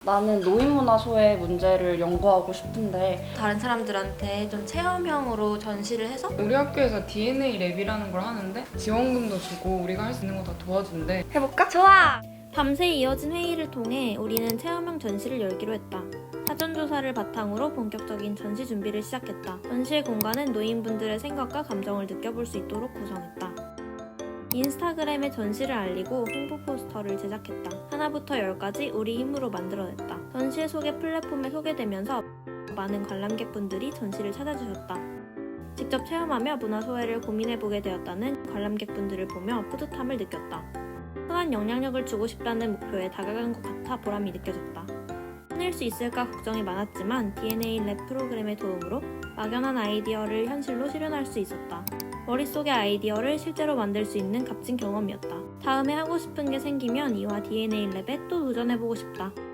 나는 노인문화소의 문제를 연구하고 싶은데 다른 사람들한테 좀 체험형으로 전시를 해서 우리 학교에서 DNA 랩이라는 걸 하는데 지원금도 주고 우리가 할 수 있는 거 다 도와준대. 해볼까? 좋아! 밤새 이어진 회의를 통해 우리는 체험형 전시를 열기로 했다. 사전조사를 바탕으로 본격적인 전시 준비를 시작했다. 전시의 공간은 노인분들의 생각과 감정을 느껴볼 수 있도록 구성했다. 인스타그램에 전시를 알리고 홍보 포스터를 제작했다. 하나부터 10까지 우리 힘으로 만들어냈다. 전시의 소개 플랫폼에 소개되면서 많은 관람객분들이 전시를 찾아주셨다. 직접 체험하며 문화소외를 고민해보게 되었다는 관람객분들을 보며 뿌듯함을 느꼈다. 선한 영향력을 주고 싶다는 목표에 다가간 것 같아 보람이 느껴졌다. 해낼 수 있을까 걱정이 많았지만 DNA 랩 프로그램의 도움으로 막연한 아이디어를 현실로 실현할 수 있었다. 머릿속의 아이디어를 실제로 만들 수 있는 값진 경험이었다. 다음에 하고 싶은 게 생기면 이와 DNA 랩에 또 도전해보고 싶다.